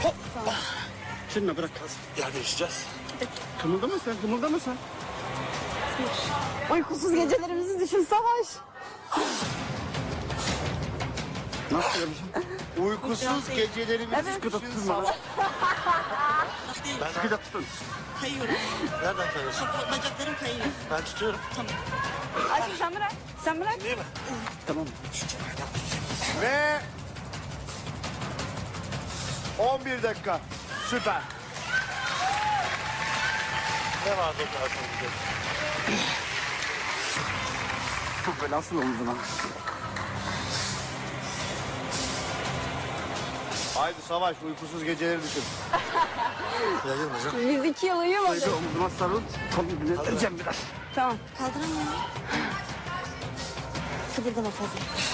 Hoppa. Şunu bırak. Yer değişeceğiz. Kımıldama sen, kımıldama sen. Uykusuz gecelerimizi düşün Savaş. Nasıl yapacağım? Uykusuz gecelerimizi Sıkı da düşün tutun Savaş. bana. Ben Sıkı da tutun. Kayıyorum. nereden tanıyorsun? Bacaklarım kayıyor. Ben tutuyorum. Aşkım sen bırak. Sen bırak. Değil mi? Tamam. Ve 11 dakika. Süper. Ne vardı o kadar sonra? Çok böyle asıl omzuna. Haydi Savaş uykusuz geceleri düşün. Yayılmayacağım. Biz 2 yıl uyumadık. Şöyle omzuma sarıl. Kolunu vereceğim biraz. Tamam. Kaldıramıyorum. Kıpırdama fazla.